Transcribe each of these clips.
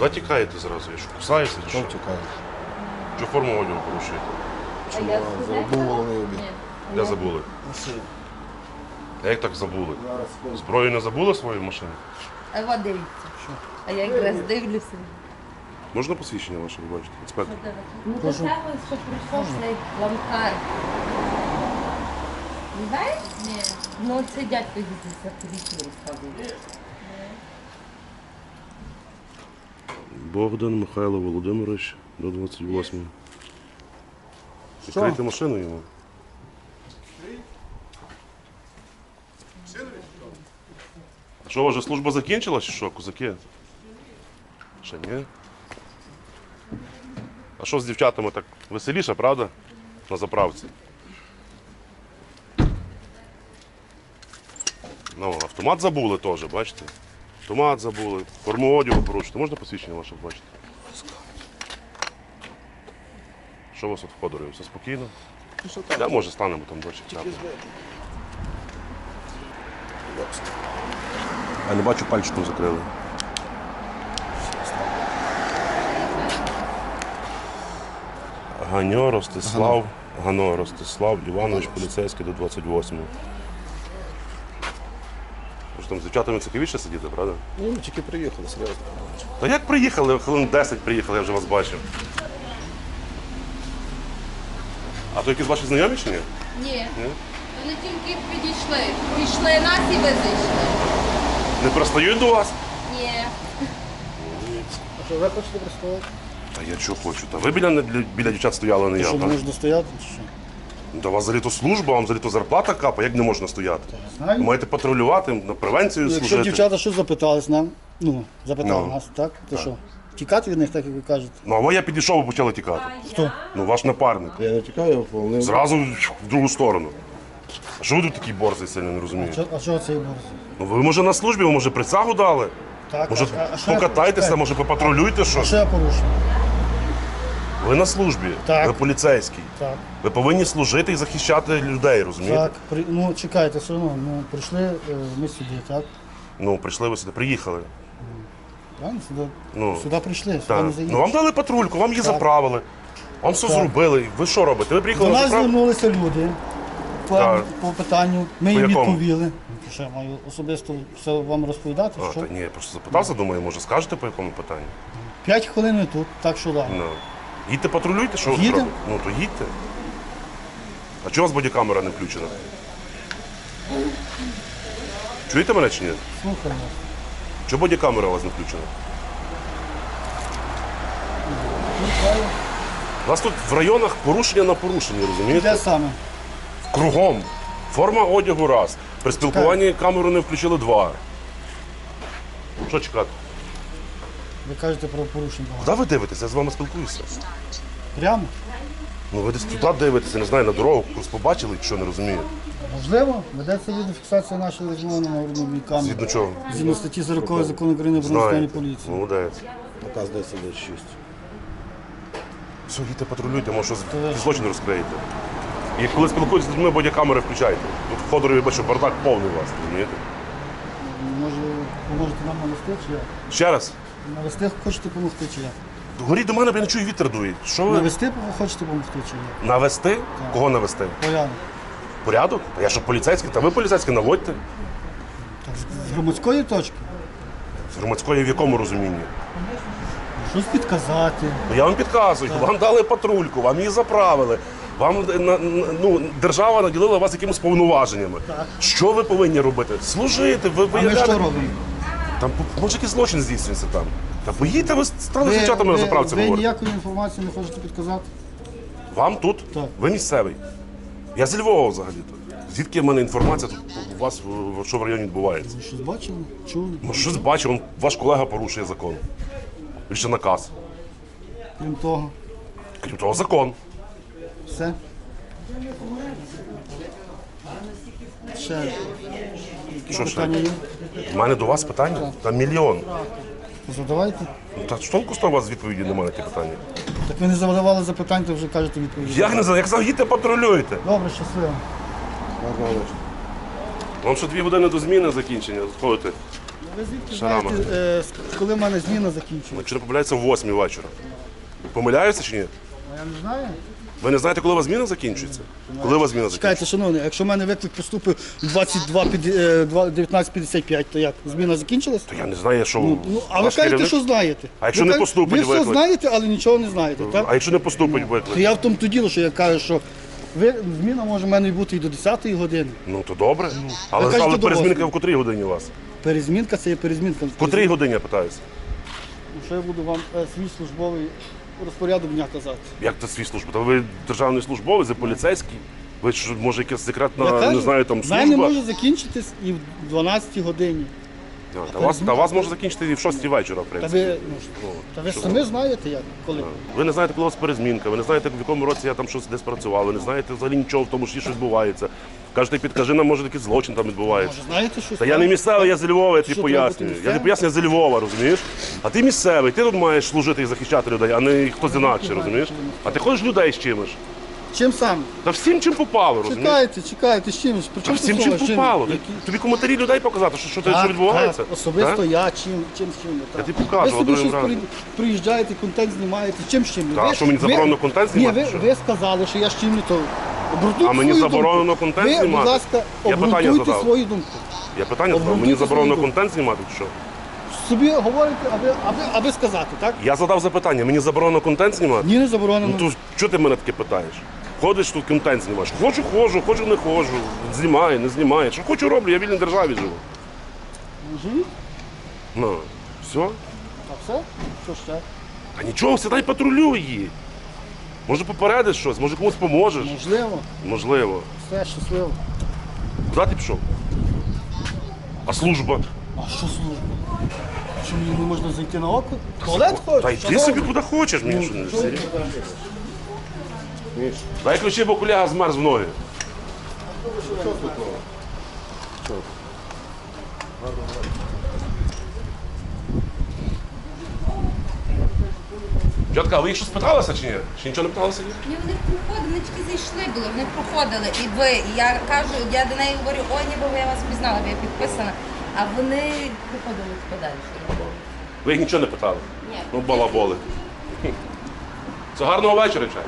Куди тікаєте зразу? Я що, кусаюся чи Що що? тікаєш? Що форму одягу порушуєте? Забув головний обід. Де забули? А як так забули? Зброю не забули свою машину? А от дивіться. А я якраз дивлюся. Можна посвідчення ваше, ви бачите? Інспектор. Ну до того, що прийшов цей ламкар. Не знаєш? Ні. Ну це дядько їздить за поліцію розказує. Богдан Михайло Володимирович до 28. Відкрийте машину йому. Що, у вас вже служба закінчилась чи що, козаки? Ще ні? А що з дівчатами так веселіше, правда? На заправці. Ну, автомат забули теж, бачите? Автомат забули, форму одягу порушити. Можна посвідчення ваше бачити? Що у вас тут в Ходорі? Все спокійно? Я, може, станемо там дощ. Я не бачу, пальчиком закрили. Гано Ростислав Іванович, поліцейський до 28-го. Може там з дівчатами цікавіше сидіти, правда? Ну, ми тільки приїхали, серйозно. Та як приїхали? Хвилин 10 приїхали, я вже вас бачив. А то якісь ваші знайомі чи ні? Ні. Вони тільки підійшли. Пішли нас і ви зайшли. Не пристають до вас? Ні. А що, ви хочете пристояти? Та я чого хочу? Та ви біля дівчат стояли, а не я. Що, не так? можна стояти, чи що? Та у вас взагалі-то служба, вам взагалі-то зарплата капа, як не можна стояти? Знаю. Ви маєте патрулювати, на превенцію Якщо служити. дівчата щось запитались нам, запитали Ну. нас, так? То що? Тікати від них, так як ви кажете? Ну, а ви я підійшов, ви почали тікати. Хто? Ну, ваш напарник. Я не тікаю, вони... Зразу в другу сторону. А що ви тут такий борзий сильно, не розумію? А що цей борз? Ну, ви, може, на службі, ви, може, присягу дали? Так, Може, а що я- покатайтеся, чекай. може, попатрулюйте А щось? що я порушив? Ви на службі, Так. ви поліцейський. Так. Ви повинні служити і захищати людей, розумієте? Так, чекайте, все одно, прийшли ми сюди, так? Ну, прийшли ви сюди, приїхали. Правильно? Сюди, Ну, сюди прийшли, сюди Так. не заїдеш. Ну, вам дали патрульку, вам її заправили. Вам все Так. зробили. Ви що робите? Ви приїхали До на нас заправку? звернулися люди Так. по питанню, ми По їм якому? відповіли. Що я маю особисто все вам розповідати? А, Що? та ні, я просто запитався, думаю, може скажете по якому питанню? 5 хвилин ми тут, так що да. Ну. Їдьте патрулюйте, що ви тут Їдемо. робите? Ну, то їдьте. А чого у вас бодікамера не включена? Чуєте мене чи ні? Слухаємо. Чого бодікамера у вас не включена? У нас тут в районах порушення на порушенні, Де розумієте? саме? Кругом. Форма одягу раз. При спілкуванні камеру не включили 2. Що чекати? Ви кажете про порушення. Куди ви дивитеся? Я з вами спілкуюся. Прямо? Ну ви десь туди дивитеся, не знаю, на дорогу, просто побачили, що не розумію. Можливо, ведеться відеофіксація нашої розмови на народній камері. Згідно чого? Згідно статті 40 закону України про національну Знаєте. поліцію. Молодець. Наказ 10-6. Все, їдьте патрулюйте, може щось злочин розкриєте. І коли спілкуєтеся з людьми, бодікамери включайте. Тут в Ходорові бачу, бардак повний у вас, розумієте? Може, поможете нам навести чи як? Ще раз. Навести хочете допомогти чи як? Горіть до мене, бо я не чую, вітер дує. Що ви? Навести хочете допомогти чи як? Навести? Кого навести? Порядок. Порядок? Та я що поліцейський? Та ви поліцейський, наводьте. Так, з громадської точки? З громадської в якому розумінні? Щось підказати. Ну, я вам підказую, вам дали патрульку, вам її заправили. Вам держава наділила вас якимись повноваженнями. Що ви повинні робити? Служити, ви А ми виявляли. що робимо? Там може якийсь злочин здійснюється там. Та поїдьте, ви стали з дівчатами на заправці ви говорити. ніякої інформації не хочете підказати? Вам тут? Так. Ви місцевий. Я зі Львова взагалі-то. Звідки в мене інформація тут у вас, що в районі відбувається? Ви щось бачили? Чули? Ну, щось бачив, ваш колега порушує закон. Більше наказ. Крім того, Крім того, закон. все. Ще Що ще? питання є? У мене до вас питання? Там мільйон. Задавайте. Ну, та толку з того у вас відповіді немає на ті питання. Так ви не задавали запитань, то вже кажете відповіді. Як не знаю, як заїдьте, патрулюйте. Добре, щасливо. Вам ще 2 години до зміни закінчення. Ходите. Ви звідки Шарама. знаєте, коли в мене зміна закінчується? Чи не помиляється в 8 вечора? Помиляюся чи ні? Я не знаю. Ви не знаєте, коли у вас зміна закінчується? Коли у вас зміна закінчується? Чекайте, шановний, якщо в мене виклик поступив 19:55, то як? Зміна закінчилась? То я не знаю, що Ну, а ви ваш кажете, керівник- що знаєте. А якщо Ви не кажете, поступить ви все виклик? знаєте, але нічого не знаєте, так? А якщо не поступить То виклик? я в тому то діло, що я кажу, що зміна може в мене бути і до 10-ї години. Ну то добре. Але, кажете, але до перезмінка 8. в котрій годині у вас? Перезмінка це є перезмінка. В котрій годині, я питаюся? Що я буду вам свій службовий розпорядок дня казати? Як це свій служба? Та ви державний службовець, ви поліцейський? Ви що, може якась секретна, Я кажу, не знаю, там в мене служба? може закінчитись і в 12-й годині. Та вас може закінчити і в 6 вечора, в Та принципі. ви, та ви самі знаєте як, коли. Ви не знаєте, коли у вас перезмінка, ви не знаєте, в якому році я там щось десь працював, ви не знаєте взагалі нічого в тому, що щось відбувається. Кажете, підкажи нам, може якийсь злочин там відбувається. Може, знаєте, що Та я не місцевий, я з Львова, я тобі Що, треба пояснюю. бути Я не місцевим? пояснюю, я з Львова, розумієш? А ти місцевий, ти тут маєш служити і захищати людей, а не хтось інакше, розумієш? А ти ходиш людей з чимось. Чим саме? Та всім чим попало, розумієш? Чекайте, з чимось. При Та чому всім тут чим слово? попало. Які? Тобі коментарі людей показати, що Так, відбувається. так, особисто Так? я чим. Я тобі покажу, Ви собі другим щось разом. приїжджаєте, контент знімаєте, чим з чим? Та, що мені заборонено контент знімати, Ні, що? ви сказали, що я з чим не то. Обґрунтуйте А мені свою заборонено думку. контент ви, знімати? будь ласка, Я питання обґрунтуйте задав. свою думку. Я питання задав, Обґрунтуйте мені заборонено свою думку. контент знімати чи що? Собі говорите, аби сказати, так? Я задав запитання, мені заборонено контент знімати? Ні, не заборонено. Ну то чого ти мене таке питаєш? Ходиш тут контент знімаєш. Хочу, ходжу, хочу, не ходжу. Знімаю, не знімаю. Що хочу, роблю, я в вільній державі живу. Живіть? Ну, все. А все? Що ще? А нічого, сідай патрулюй її. Може попередиш щось, може комусь поможеш. Можливо. Можливо. Все, щасливо. Куди ти пішов? А служба? А що служба? Що мені не можна зайти на око? Туалет хочеш? Та йди собі куди хочеш, мені що не Що ви серйозно. робите? Дай ключі, бо куляга змерз в ноги. Дядька, а ви їх щось питалися чи ні? Чи нічого не питалися? Ні, вони проходили, вони тільки зайшли були, вони проходили. І ви, і я кажу, я до неї говорю, ой, ніби я вас пізнала, бо я підписана. А вони проходили подальше. Ви їх нічого не питали? Ні. Ну, балаболи. Це гарного вечора, чай.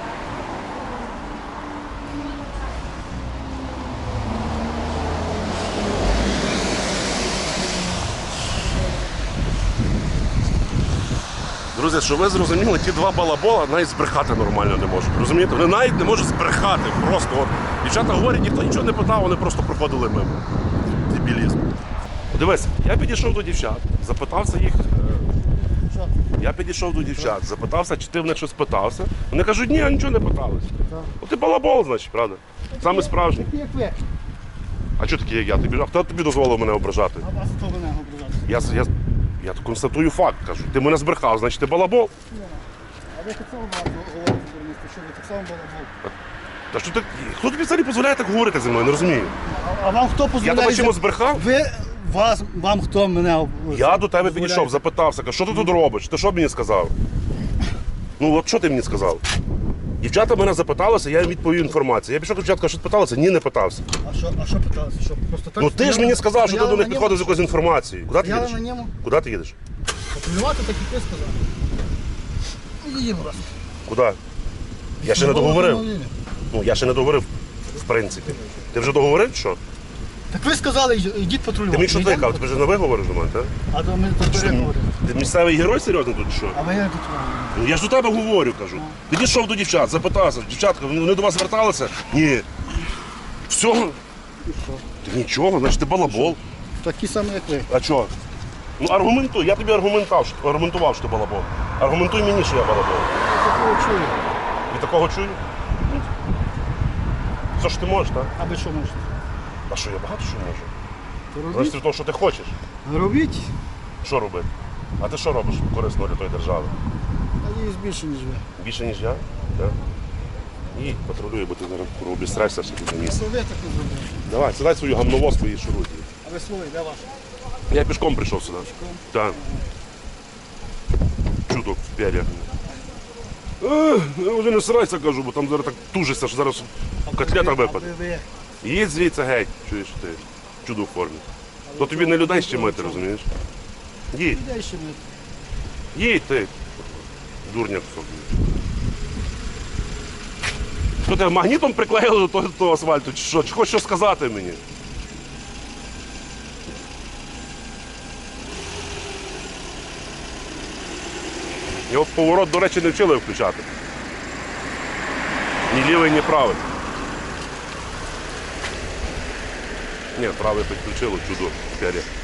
Друзі, що ви зрозуміли, ті два балабола навіть збрехати нормально не можуть. Розумієте? Вони навіть не можуть збрехати. Просто от. Дівчата говорять, ніхто нічого не питав, вони просто проходили мимо. Дебілізм. Дивись, я підійшов до дівчат, запитався їх. Я підійшов до дівчат, запитався, чи ти в них щось питався. Вони кажуть, ні, нічого не питалися. От ти балабол, значить, правда? Саме справжній. Такі, як ви. А чого такий, як я? А хто тобі дозволив мене ображати? А вас хто мене ображати? Я констатую факт, кажу. Ти мене збрехав, значить ти балабол. А ви так само багато говорите, журналісти, що ви так само балабол. Та що ти, хто тобі взагалі дозволяє так говорити зі мною, не розумію. А вам хто Я дозволяє? тебе чимось збрехав? Вам хто мене Я до тебе дозволяє? підійшов, запитався, кажу, що ти тут робиш? Ти що мені сказав? Ну от що ти мені сказав? Дівчата мене запиталися, я їм відповів інформацію. Я пішов до дівчатка, що ти питалася? Ні, не питався. А що питалися? Що, просто так Ну ти ж мені сказав, що ти до них підходив підходив з якоюсь інформацією. Куди ти Стояли їдеш? на ньому? Куди ти їдеш? Патрулювати, так і ти сказав. Їдемо раз. Куди? Я ще не договорив. Ну, я ще не договорив, в принципі. Ти вже договорив, що? Так ви сказали, йдіть патрулювати. Ти мені що Йдемо? тикав? Ти вже не виговориш до мене, так? А то ми тут переговоримо. Ти місцевий герой серйозно тут чи що? А ви як тут? Ну, я ж до тебе говорю, кажу. Підійшов до дівчат, запитався, дівчатка, вони до вас зверталися? Ні. Все. Ти нічого, значить ти балабол. Такі самі, як ви. А чого? Ну аргументуй, я тобі аргументував, що ти балабол. Аргументуй мені, що я балабол. Такого чую. І такого чую? Все ж ти можеш, так? А ви що можете? А що, я багато що можу? То Значить, робіть. від того, що ти хочеш. Робіть. Що робити? А ти що робиш корисно для тої держави? Надіюсь більше, ніж ви. Більше, ніж я? Так? І патрулюй, бо ти зараз обістрайся все тут на місці. То ви так не зробили. Давай, сідай свою гамновозку і шуруй. А ви свої, де ваш? Я пішком прийшов сюди. Так. Чудо в п'ялях. Я вже не срайся, кажу, бо там зараз так тужишся, що зараз котлета випаде. Ви. Їдь звідси геть, чуєш ти. Чудо в формі. А То тобі не людей ще мити, розумієш? Їдь, Людей ще ми. їдь ти, дурняк собі. Що тебе магнітом приклеїли до того асфальту, чи що? Чи хочеш що сказати мені? Його поворот, до речі, не вчили включати. Ні лівий, ні правий. Ні, правий підключило, чудо, пер'я.